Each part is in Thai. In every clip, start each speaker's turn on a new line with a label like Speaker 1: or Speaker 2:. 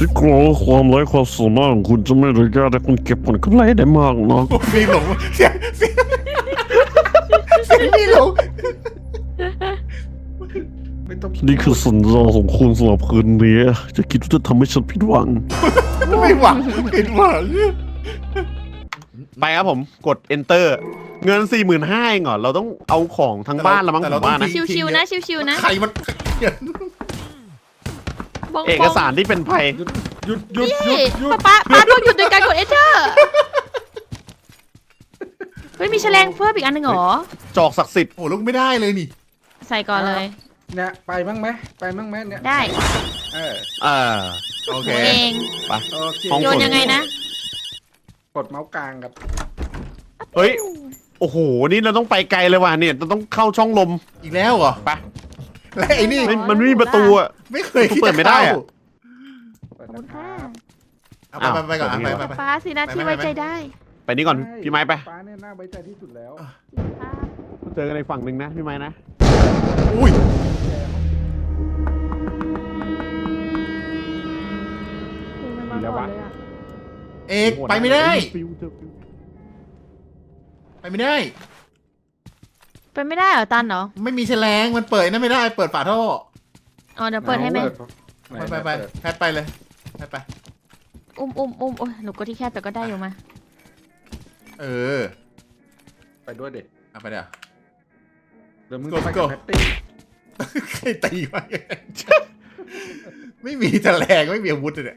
Speaker 1: ฉันกลัวว่าความไร้ความสามารถของคุณจะไม่อนุญาตให้คุณเก็บผลกำไรได้มากนัก
Speaker 2: มีหลงเสียงมีหลงไม่ต้อง
Speaker 1: นี่คือสัญญาของคุณสำหรับคืนนี้จะคิดว่าจะทำให้ฉันผิดหวัง
Speaker 2: ไม่หวังผิดหวัง
Speaker 3: ไปครับผมกด enter เงิน 45,000 เองเหรอเราต้องเอาของทั้งบ้านละมั้งผมว่านะ
Speaker 4: ชิวๆนะชิวๆนะ
Speaker 2: ใครมัน
Speaker 4: บง
Speaker 3: เอกสารที่เป็นภัย
Speaker 2: หยุดหยุด
Speaker 4: พี่
Speaker 2: หยุด
Speaker 4: ป้าต้องหยุดโดยการกด enter เฮ้ยมีแฉลงเพิ่มอีกอันหนึ่งเหรอ
Speaker 3: จอกศักดิ์สิทธิ์
Speaker 2: โอ้ลูกไม่ได้เลยนี่
Speaker 4: ใส่ก่อนเลย
Speaker 5: เนี่ยไปบ้างไหมเนี่ย
Speaker 4: ได้
Speaker 2: โอเค
Speaker 4: เอง
Speaker 3: ไป
Speaker 5: โอเค
Speaker 3: ห้อง
Speaker 4: โยนยังไงนะ
Speaker 5: กดเมาส์กลางกับ
Speaker 3: เฮ้ยโอ้โหนี่เราต้องไปไกลเลยว่ะเนี่ยเราต้องเข้าช่องลม
Speaker 2: อีกแล้วเหรอ
Speaker 3: ไป
Speaker 2: และไอ้นี่
Speaker 3: มันไม่มีประตูอ่ะ
Speaker 2: ไม่เคยคิด
Speaker 3: เปิดไม่ได้อะ
Speaker 5: เปิด
Speaker 4: ขอบ
Speaker 5: นะ
Speaker 4: คุณ
Speaker 5: ครั
Speaker 4: ค่ะ
Speaker 5: บ
Speaker 2: เอาไปก่อนไป
Speaker 4: ป้าสินะที่ไว้ใจได้
Speaker 3: ไปนี่ก่อนพี่ไม้ไป
Speaker 5: ฟ้าเนี่ยน่าไว้ใจที่สุดแล้ว
Speaker 3: เจอกันในฝั่งหนึ่งนะพี่ไม้นะ
Speaker 2: อุ้ย เอกไปไม่ได้ ไปไม่ได้
Speaker 4: ไปไม่ได้เหรอตันเหรอ
Speaker 2: ไม่มีแฉลงมันเปิดนั่นไม่ได้เปิดฝาท่อ
Speaker 4: อ๋อเดี๋ยวเปิดให้ไหม
Speaker 2: ไปแพทไปเลยแพทไป
Speaker 4: อุ้มโอ้ยหนูก็ที่แคบแต่ก็ได้อยู่มา
Speaker 2: เออ
Speaker 5: ไปด้วยเด็ก
Speaker 2: เอาไปเดี๋ยว
Speaker 5: เดี๋ยวมึง
Speaker 2: Go
Speaker 5: ไป
Speaker 2: go
Speaker 5: กับแพตตี้
Speaker 2: ใครตีมาไม่มีแฉลงไม่มีอาวุธเลยเนี่ย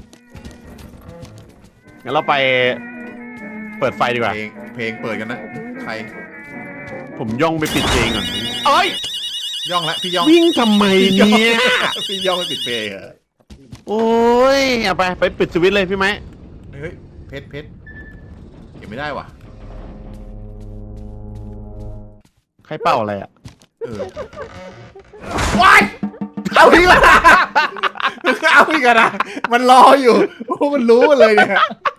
Speaker 3: งั้นเราไปเปิดไฟดีกว่า
Speaker 2: เพลงเปิดกันนะใคร
Speaker 3: ผมย่องไปปิดเองก่อนเอ้ย
Speaker 2: ย่องละพี่ย่อง
Speaker 3: วิ่งทำไมเนี่ย
Speaker 2: พี่ย่องไปปิดเพลงเหรอ
Speaker 3: โอ้ยเอาไปปิดสวิตช์เลยพี่ไม้
Speaker 2: เฮ้ยเพชรเก็บไม่ได้ว่ะ
Speaker 3: ใครเป่าอะไรอ่ะ
Speaker 2: เออว้ายเอาอีกแล้วเอาอีกแล้วนะมันรออยู่โอ้มันรู้เลยเนี่ย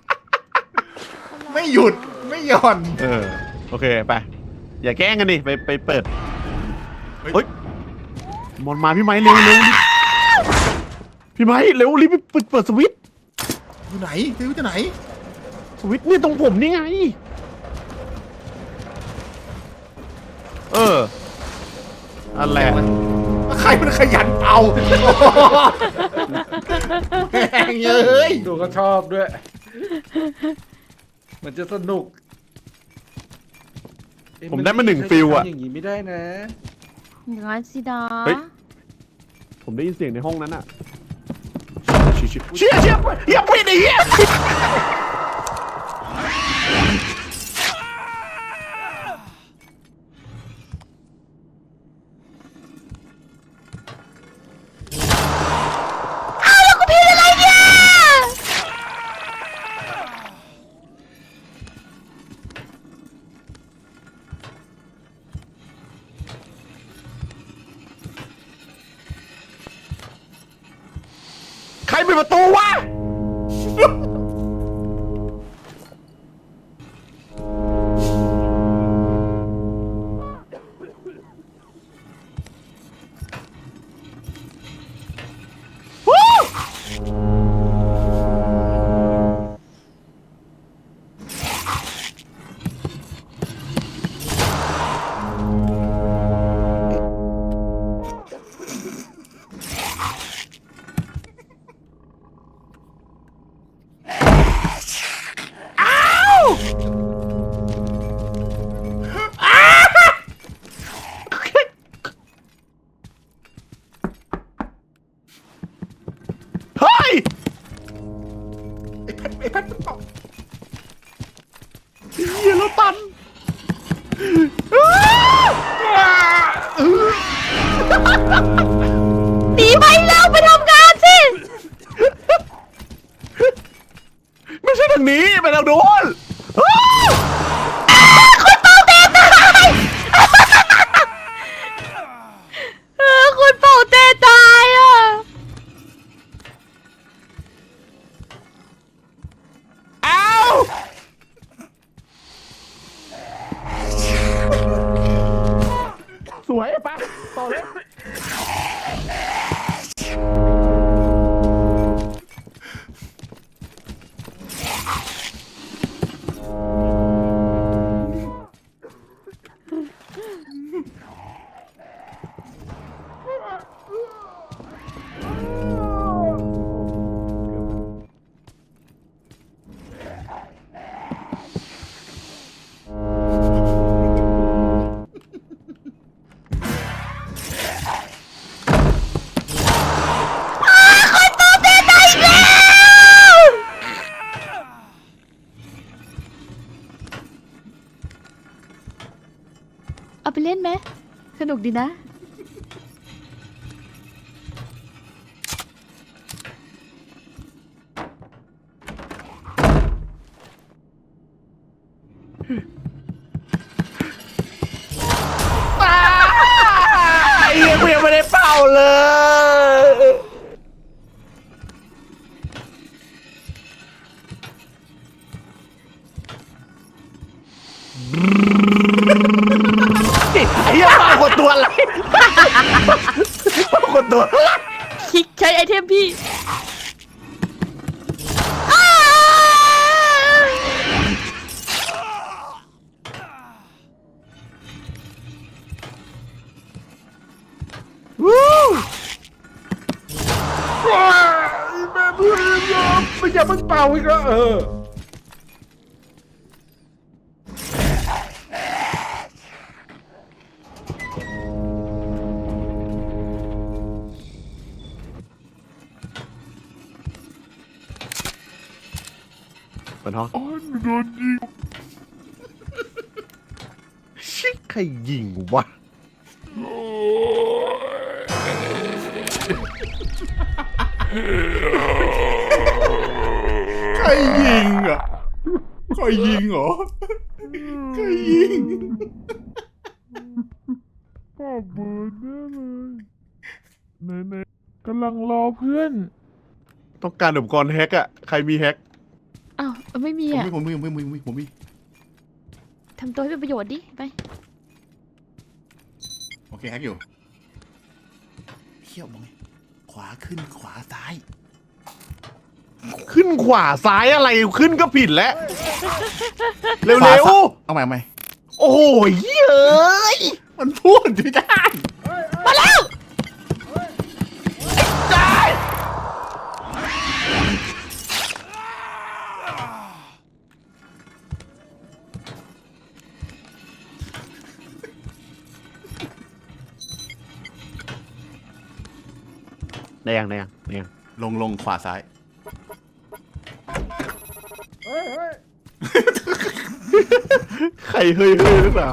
Speaker 2: ไม่หยุดไม่หย่อน
Speaker 3: โอเคไปอย่าแกล้งกันดิไปเปิดเฮ้ยมอนมาพี่ไม้เร็วพี่ไม้เร็วรีบไปเปิดสวิตช์
Speaker 2: อยู่ไหนซื้อที่ไหน
Speaker 3: สวิตช์นี่ตรงผมนี่ไงอันแหละ
Speaker 2: ใครมันขยันเอาแม่งเอ้ย
Speaker 5: ดูก็ชอบด้วย มันจะสนุก
Speaker 3: ผมได้มา1 ฟิลอะ
Speaker 5: อย่างงี้ไม่ได้นะ
Speaker 4: อย่างนั้นสิดา
Speaker 3: เฮ้ย ผมได้ยินเสียงในห้องนั้นอะเชี่ยอย่าปิดไอ้เหี้ย ใครปิดประตูวะเฮ้ย
Speaker 2: ไอ้แพทมันตอบ
Speaker 3: เหี้ยแล้วตัน
Speaker 4: หนีไปแล้วไปทำงานสิ
Speaker 3: ไม่ใช่ทางนี้ไปทางโน้น
Speaker 4: คุณเป่าเตะตายคุณเป่าเตะตายอ่ะ
Speaker 3: อ้าว สวยปะต่อเลย
Speaker 4: สนุกดีนะ
Speaker 3: ไอ้เหี้ยกูยังไม่ได้เป่าเลย ไอ้เหี้ยเป่ากดตัวอะไรเป่ากดตัวอะไร
Speaker 4: คลิกใช้ไอเทมพี่
Speaker 3: วู้
Speaker 5: ว้ายแม่เพื่อนยอมไม่อย่าเพิ่งเป่าอีกแล้ว
Speaker 3: เปิดห้อง
Speaker 1: โอ้ยโดนยิง
Speaker 3: ชิคใครยิงวะ
Speaker 2: ใครยิงอ่ะใครยิงเหรอใครยิง
Speaker 1: พ่อเบิร์ดแน่เลยไหนๆกำลังรอเพื่อน
Speaker 3: ต้องการอุปกรณ์แฮกอะใครมีแฮก
Speaker 4: อ้าวไม่มี
Speaker 2: ผมมี
Speaker 4: อ่ะ
Speaker 2: ผมมี
Speaker 4: ทำตัวให้เป็นประโยชน์ดิ ไป
Speaker 2: โอเคแฮกอยู่เขี้ยวมองไงขวาขึ้นขวาซ้าย
Speaker 3: ขึ้นขวาซ้ายอะไรขึ้นก็ผิดแล้ว เร็
Speaker 2: ขวาว ซ้าย
Speaker 3: ๆ
Speaker 2: เอาใหม่
Speaker 3: โอ้โหเฮ้ย
Speaker 2: มันพูดไม่ได้
Speaker 4: มาแล้ว
Speaker 3: ได้ยัง
Speaker 2: ลงขวาซ้าย
Speaker 3: ใครเฮ้ยหรือเปล่า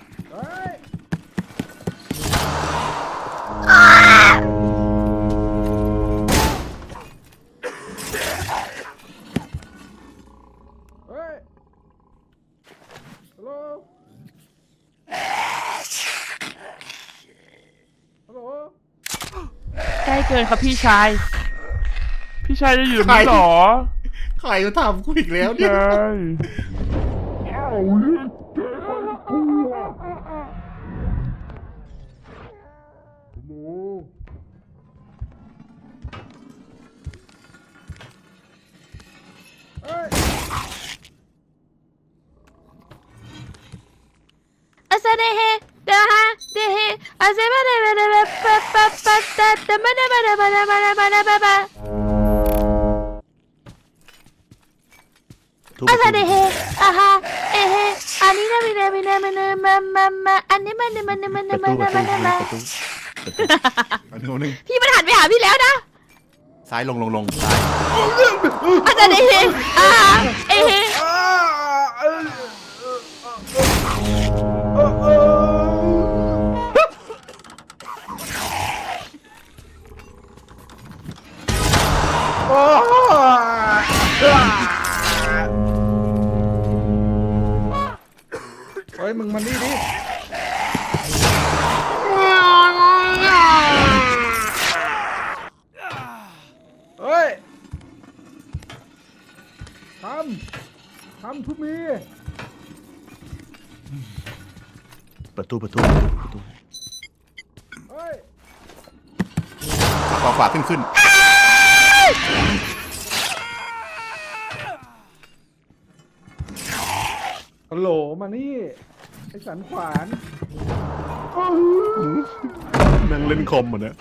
Speaker 1: ใกล้เกินครับพี่ชาย พี่ชายจะอยู่ไหมหรอ
Speaker 2: ใครจะทำกูอีกแล้วเนี่ย
Speaker 1: ใช่
Speaker 4: อาซาเดเฮเดฮะเดเฮอาซาบะเดบะเดบะปะปะปะตะตะมะเดบะเดบะเดบะเดบะเดบะบะอาซาเดเฮอาฮะเอเฮอันนี้นะมินะมินะมินะมาอันนี้มัน
Speaker 3: ประตู
Speaker 2: หนึ่ง
Speaker 4: พี่มันหันไปหาพี่แล้วนะ
Speaker 2: ซ้ายลงซ้าย
Speaker 4: อาซาเดเฮอาฮะเอเฮ
Speaker 5: เฮ้ยมึงมานี่ดิเฮ้ยทำทุกมี
Speaker 3: ประตู
Speaker 5: เฮ้ย
Speaker 2: ขวาขึ้น
Speaker 5: ฮัลโหลมานี่ไอ้สันขวาน
Speaker 3: นั่งเล่นคอมเหมือนเนี่ย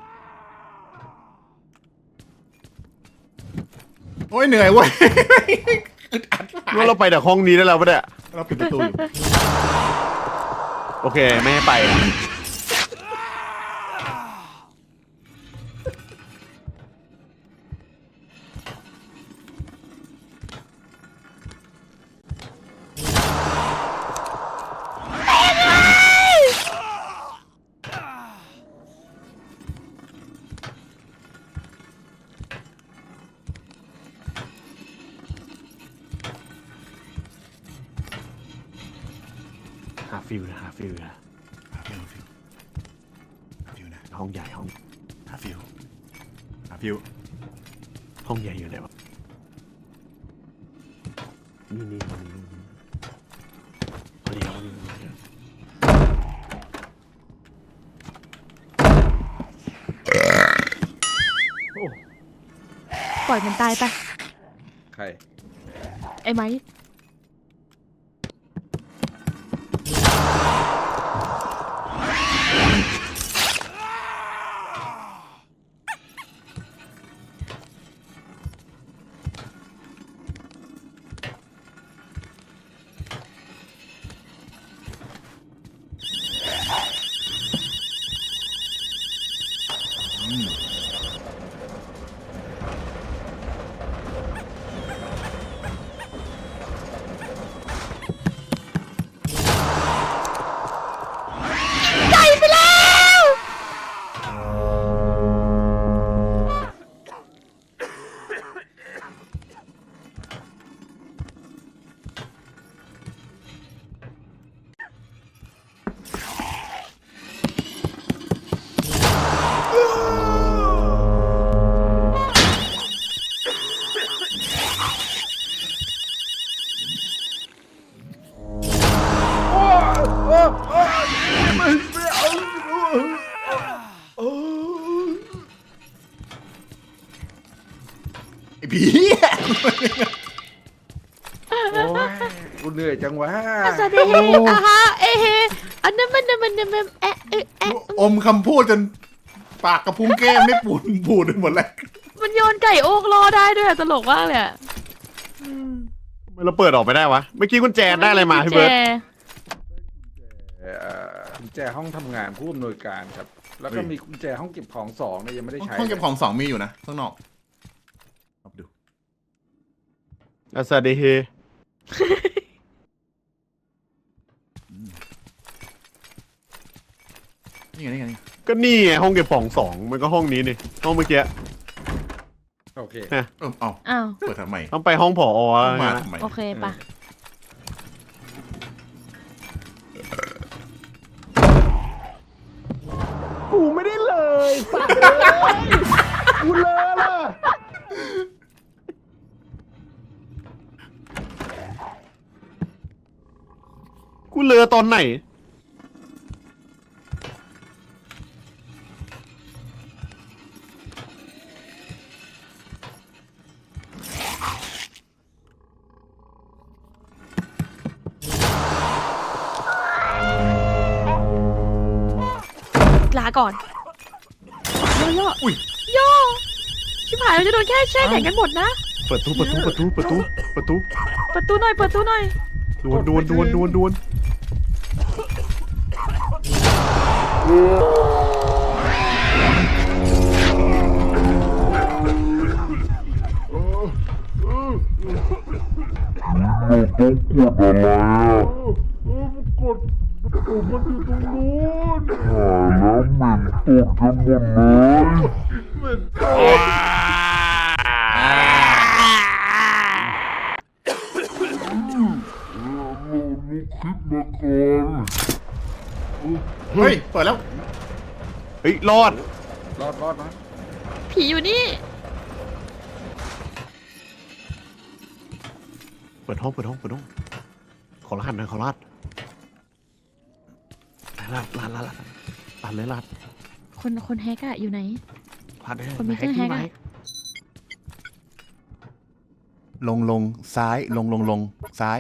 Speaker 2: โอ้ยเหนื่อยเว้ย
Speaker 3: ว่าเราไปจากห้องนี้ได้แล้วปะเนี่ย
Speaker 2: เราปิดประตูอยู่
Speaker 3: โอเคไม่ให้ไปฟิลนะหาฟิลนะ
Speaker 2: หาฟิวหาฟิวนะ
Speaker 3: ห้องใหญ่ห้อง
Speaker 2: หาฟิวหาฟิว
Speaker 3: ห้องใหญ่อยู่ไหนวะนี่ห้องนี้ห้องนี้
Speaker 4: ปล่อยมันตายไป
Speaker 5: ใคร
Speaker 4: ไอ้ไม้
Speaker 2: ไอ้ผี
Speaker 5: โอ้ยกูเหนื่อยจังวะ
Speaker 4: อาซาเดเฮอาฮะเอเฮอันนั้นมันแอะเอะแอะ
Speaker 2: อมคำพูดจนปากกระพุ้งแก้มไม่ปูดไปหมดแล้ว
Speaker 4: มันโยนไก่โอกรอได้ด้วยอะตลกมากเลยอะ
Speaker 3: ทำไมเราเปิดออกไปได้วะเมื่อกี้กุญแจได้อะไรมาพี่เบิร์ด
Speaker 5: กุญแจห้องทำงานผู้อำนวยการครับ แล้วก็มีกุญแจห้องเก็บของ2เนี่ยยังไม่ได้ใช้
Speaker 2: ห้องเก็บของ2มีอยู่นะข้างนอกเอาไปดู
Speaker 3: อาซาเดเฮ
Speaker 2: นี่ไงนี่ไงนี่
Speaker 3: ก็นี่ไงห้องเก็บของ2มันก็ห้องนี้นี่ห้องเมื่อกี้
Speaker 5: โอเค
Speaker 2: เอา
Speaker 4: อ้าว
Speaker 2: เปิดทำไม
Speaker 3: ต้องไปห้องผอ
Speaker 2: มาทำไม
Speaker 4: โอเคปะ
Speaker 5: กูไม่ได้เลยสัตว์เลยกูเลยล่ะ
Speaker 3: กูเรือตอนไหน
Speaker 4: ลาก่อนย่อ
Speaker 2: อุ้ย
Speaker 4: ย่อชิบหายเราจะโดนแค่แช่แข็งกันหมดนะ
Speaker 3: เปิดตู้
Speaker 4: ประตูหน่อยเปิดตู้หน่อย
Speaker 3: ดวน
Speaker 1: กดปุ่มมันอยู่ตรงนู้นแล้วเหม็นตกกันหมดเลยเหม็นตกคิดมาก่อน
Speaker 2: เฮ้ยเปิดแล้ว
Speaker 3: เฮ้ยรอด
Speaker 5: รอดนะ
Speaker 4: ผีอยู่นี่
Speaker 3: เปิดห้องขอรหัสหน่อยขอรหัสลาดเลยลาด
Speaker 4: คนแฮกอะอยู่ไหน
Speaker 3: ลาดเลย
Speaker 4: คนมีเครื่องแฮกอะ
Speaker 2: ลงซ้ายลงซ้าย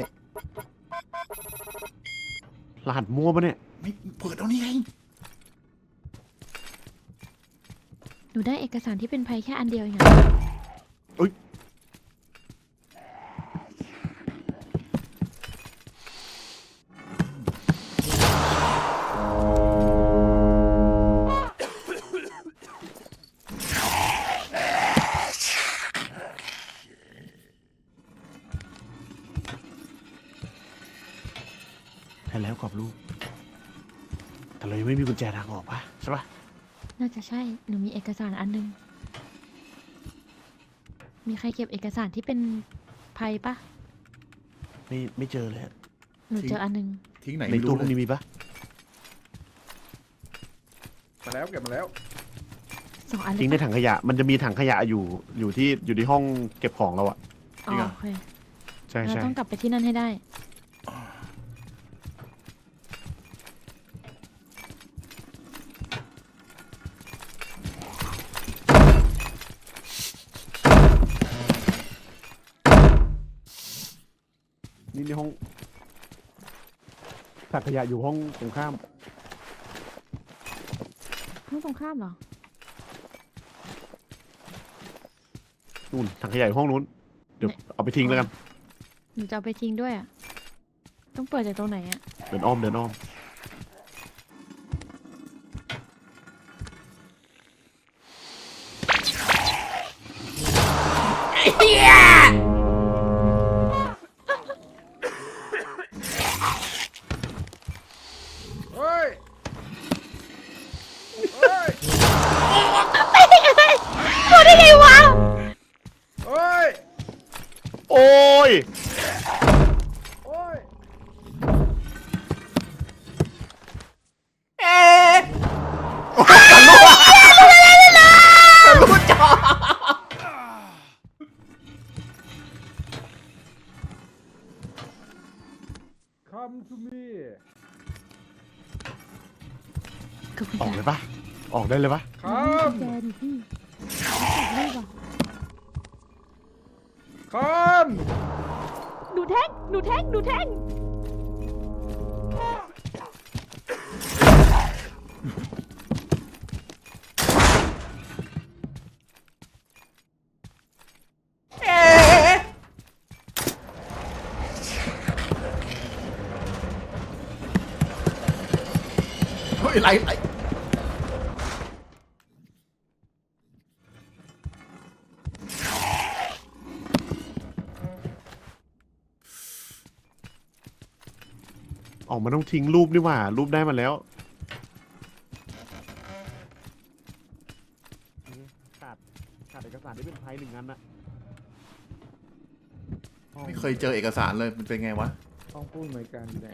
Speaker 3: รหัสมั่วปะเนี่ย
Speaker 2: ไม่เปิดเอานี่ไง
Speaker 4: หนูได้เอกสารที่เป็นภัยแค่อันเดียวเองอะ
Speaker 3: ใช่แล้วกรอบรูปแต่เรายังไม่มีกุญแจทางออกปะใช่ปะ
Speaker 4: น่าจะใช่ หนูมีเอกสารอันนึง มีใครเก็บเอกสารที่เป็นภัยปะ
Speaker 3: ไม่เจอเลยอะ
Speaker 4: หนูเจออันนึง
Speaker 2: ทิ้งไหน
Speaker 3: ใน
Speaker 2: ไม่
Speaker 3: ตู้
Speaker 2: รู้
Speaker 3: พวก
Speaker 2: เล
Speaker 3: นี้
Speaker 2: ย
Speaker 3: มีปะ
Speaker 5: มาแล้วเก็บมาแล้ว
Speaker 4: 2 อันเลย
Speaker 3: ทิ้งในถังขยะมันจะมีถังขยะอยู่ที่ห้องเก็บของเราอะ
Speaker 4: อ๋อโอเค
Speaker 3: ใช่
Speaker 4: เรา
Speaker 3: ใช่
Speaker 4: ต้องกลับไปที่นั่นให้ได้
Speaker 3: นี่ในห้องถังขยะอยู่ห้องตรงข้าม
Speaker 4: ห้องตรงข้ามเหรอ
Speaker 3: นู่นถังขยะอยู่ห้องนู้นเดี๋ยวเอาไปทิ้งแล้วกัน
Speaker 4: หนูจะเอาไปทิ้งด้วยอ่ะ ต้องเปิดจากตรงไหนอ่ะ
Speaker 3: เดินอ้อม
Speaker 5: เฮ้ย เฮ้ย
Speaker 4: พูดได้ไงวะ
Speaker 5: เฮ้ย
Speaker 3: โอ้ย
Speaker 5: โอ้ย Come to me
Speaker 4: กับคุณ
Speaker 3: ออก
Speaker 4: ยาย
Speaker 3: เลยปะออกได้เลยปะ
Speaker 5: Come
Speaker 4: แจดิพี่จับรูปอ่ะ
Speaker 5: Come
Speaker 4: หนูแท่งหนูแท่งหนูแท่ง
Speaker 2: เฮ้ยไหล
Speaker 3: ออกมาต้องทิ้งรูปนี่หว่ารูปได้มาแล้วขาดเอกสารที่เป็นไทย1 อันนะ
Speaker 2: ไม่เคยเจอเอกสารเลยมันเป็นไงวะ
Speaker 5: ห้องผู้อำนวยการอยู่ไหน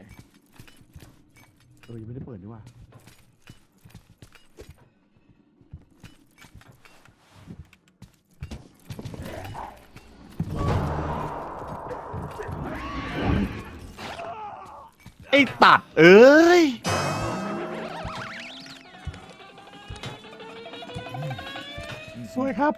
Speaker 3: ยังไม่ได้เปิดนี่หว่าไอ้ตัดเอ้ยสวยครับ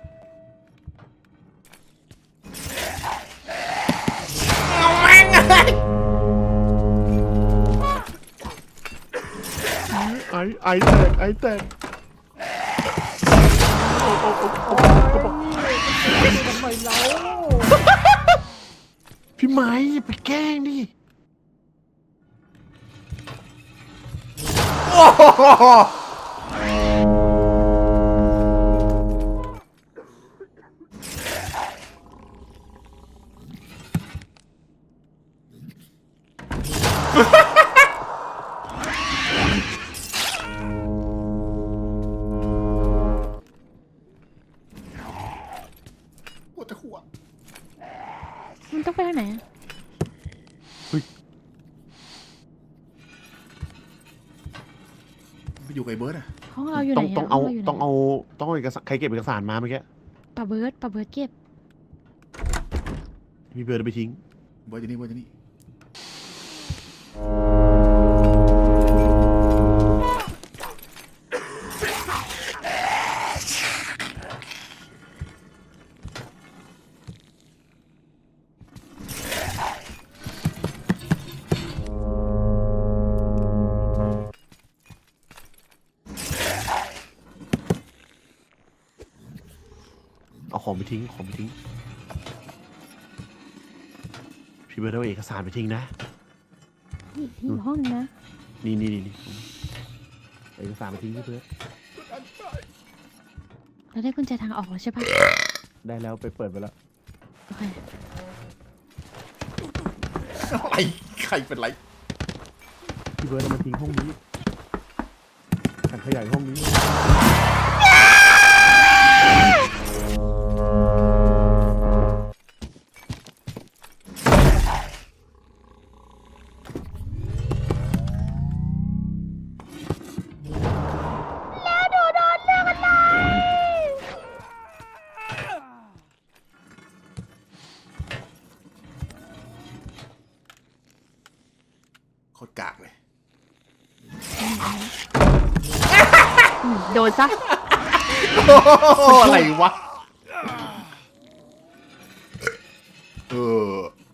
Speaker 3: ไอแตกพี่ไม้อย่าไปแกล้งดิ
Speaker 2: โอ้โหปวดจะหัว
Speaker 4: มันต้องไปทางไหนอะ
Speaker 2: ไปอยู่กับไอ้เบิร์ดอะ
Speaker 4: ห้องเราอยู่ไหนอะ
Speaker 3: ต้องเอา
Speaker 4: ห้รยู่ไหน
Speaker 3: ต้องเอาเอกสารใครเก็บเอกสารมาเมื่อกี้
Speaker 4: ปะเบิร์ดเก็บ
Speaker 3: พี่เบิร์ดเอาไปทิ้ง
Speaker 2: เบิร์ดอยู่นี่เบิร์ดอยู่นี่
Speaker 3: เอาของไปทิ้งพี่เบิร์ดเอาเอกสารไปทิ้งนะ
Speaker 4: นี่อยู่ห้องนึงนะ
Speaker 3: นี่เอกสารไปทิ้งพี่เบิร์ด
Speaker 4: เราได้กุญแจทางออกแล้วใช่ปะ
Speaker 3: ได้แล้วไปเปิดไปแล้ว
Speaker 4: โอเค
Speaker 2: อะไรใครเป็นไร
Speaker 3: พี่เบิร์ดเอามาทิ้งห้องนี้ถังขยะห้องนี้
Speaker 2: โคตรกากเลย
Speaker 4: โดนซะ
Speaker 2: อะไรวะ เออ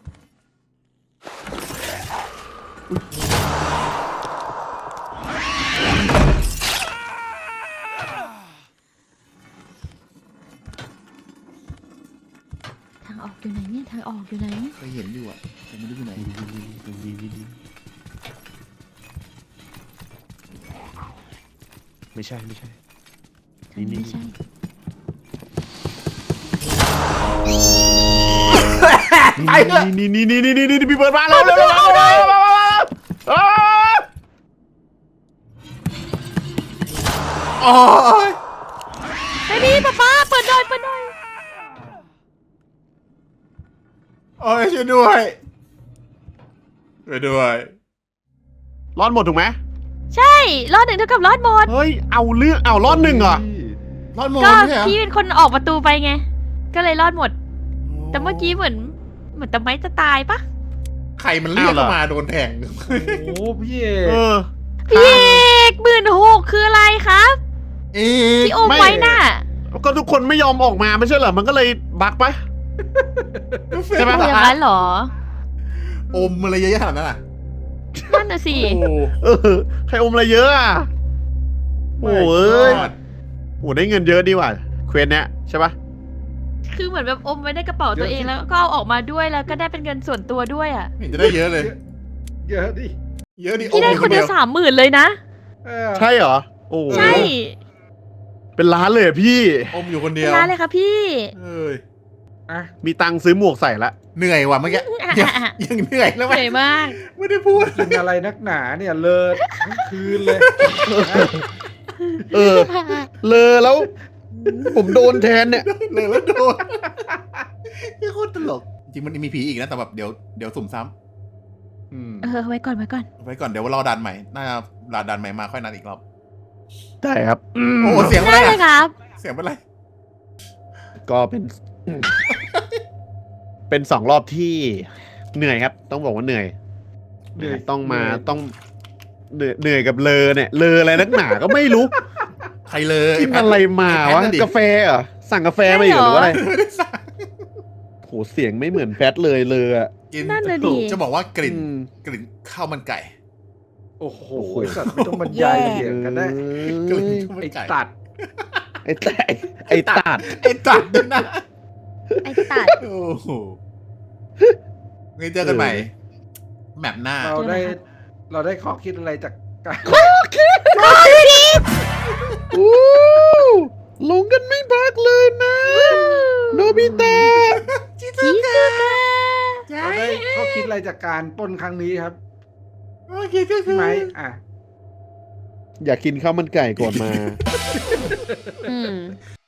Speaker 4: ทางออกอยู่ไหนเนี่ยทางออกอยู่ไหน
Speaker 2: เคยเห็นอยู่อ่ะแต่ไม่รู้อยู่ไหน
Speaker 3: ไม่ใช่ไม่ใช่
Speaker 4: ทางนี้ไม่ใช่
Speaker 2: ไอ้เนี่ย
Speaker 3: นี่พี่เปิดมาแล้วเร็ว
Speaker 2: โอ้ย
Speaker 4: ไอ้พี่ป๊าเปิดหน่อยเปิดหน่อย
Speaker 2: โอ้ยช่วยด้วยช่วยด้วย
Speaker 3: รอดหมดถูกไหม
Speaker 4: ใช่รอดหนึ่งเท่ากับรอดหมด
Speaker 3: เฮ้ยเอาเรื่องเอารอดหนึ่งเหรอ
Speaker 2: รอดหมด
Speaker 4: ก็
Speaker 2: ไม่ใช่เหรอ
Speaker 4: พี่เป็นคนออกประตูไปไง ก็เลยรอดหมด แต่เมื่อกี้เหมือนตะไม้จะตายปะ
Speaker 2: ใครมันเรียกเข้ามาโดนแทง
Speaker 5: โอ้พี่เอ
Speaker 3: เอก อ
Speaker 4: พี่เอก16,000คืออะไรครับ
Speaker 2: เอ๊ะ
Speaker 4: ที่อมไว้น่ะ
Speaker 3: ก็ทุกคนไม่ยอมออกมาไม่ใช่เหรอมันก็เลยบักปะ ใช่ไหม
Speaker 4: เอาอย่างนั้นเหรอ
Speaker 2: อมอะไรเยอะแยะขนาดนั้นอ่ะ
Speaker 4: นั่นน่ะสิ
Speaker 2: โอ้
Speaker 3: เออใครอมอะไรเยอะอ่ะโอ้ยโอ้ได้เงินเยอะดีว่ะเควสเนี้ยใช่ปะ
Speaker 4: คือเหมือนแบบอมไว้ในกระเป๋าตัวเองแล้วก็เอาออกมาด้วยแล้วก็ได้เป็นเงินส่วนตัวด้วยอ่ะ
Speaker 2: ไม่เห็นจะได้เยอะเลย
Speaker 5: เยอะดิ
Speaker 2: เยอะดิ
Speaker 4: พี่ได้
Speaker 2: อม
Speaker 4: คนเดียว30,000เลยนะ
Speaker 5: เออ
Speaker 3: ใช่เหรอโอ้
Speaker 4: ใช่
Speaker 3: เป็นล้านเลยอะพี่
Speaker 2: อมอยู่คนเดี
Speaker 4: เป็
Speaker 2: ย
Speaker 4: น
Speaker 2: ว
Speaker 4: ร้านเลยค่ะพี่
Speaker 2: เอ้ย
Speaker 5: อ่ะ
Speaker 3: มีตังค์ซื้อหมวกใส่ละ
Speaker 2: เหนื่อยว่ะเมื่อกี้ยังเหนื่อยแล้ว
Speaker 4: เห
Speaker 2: ไหม
Speaker 4: นื่อยมาก
Speaker 2: ไม่ได้พูด
Speaker 5: กินอะไรนักหนาเนี่ยเลิศทั้งคืนเลย
Speaker 3: เออเลอแล้ว ผมโดนแทนเนี่ย
Speaker 2: เลยแล้วโดนนี่โคตรตลกจริงมันมีผีอีกนะแต่แบบเดี๋ยวสุ่มซ้
Speaker 5: อืม
Speaker 4: ไว้ก่อนไว้ก่อน
Speaker 2: ำไว้ก่อนเดี๋ยวรอดันใหม่น่ารอดันใหม่มาค่อยนัดอีกรอบ
Speaker 3: ได้ครับ
Speaker 2: โอ้เสียง
Speaker 4: ได้
Speaker 2: อะไร
Speaker 4: เลยครับ
Speaker 2: เสียงเป็นไร
Speaker 3: ก็เป็น เป็น2 รอบที่เหนื่อยครับ ต้องบอกว่าเหนื่อย ต้องมาต้องเหนื่อยกับเลอเนี่ยเลออะไรนักหนาก็ไม่รู้
Speaker 2: ใครเลย
Speaker 3: กินอะไรมาวะกาแฟเหรอสั่งกาแฟมาอยู่หรือว่าอะไร
Speaker 2: ไม่ได้สั่ง
Speaker 3: โหเสียงไม่เหมือนแฟตเลยเลยอะ
Speaker 2: กิน
Speaker 4: นั่นน่ะดิ
Speaker 2: จะบอกว่ากลิ่น
Speaker 3: อืม
Speaker 2: กลิ่นข้าวมันไก่
Speaker 5: โอ้โหสัตว์ไม่ต้องบรรยายเสียงกันได้
Speaker 2: กลิ่นข้าวมัน
Speaker 5: ไอ้
Speaker 2: ไก่
Speaker 5: ตัด
Speaker 3: ไอ้แต่ไอ้ตัด
Speaker 2: ไอ้ตัดด้วยนะ
Speaker 4: ไอ้ตัด
Speaker 2: โอ้โหงั้นเจอกันใหม่แมปหน้า
Speaker 5: เราได้ข้อคิดอะไรจากการ
Speaker 3: อู้ลงกันไม่พักเลยนะโนบิตะ
Speaker 4: ชิซุกะ
Speaker 5: เราได้ข้อคิดอะไรจากการปล้นครั้งนี้ครับ
Speaker 2: โอเคก็คื
Speaker 5: พี่
Speaker 2: อ
Speaker 5: ไหมอ่ะ
Speaker 3: อยากกินข้าวมันไก่ก่อนมา
Speaker 4: อืม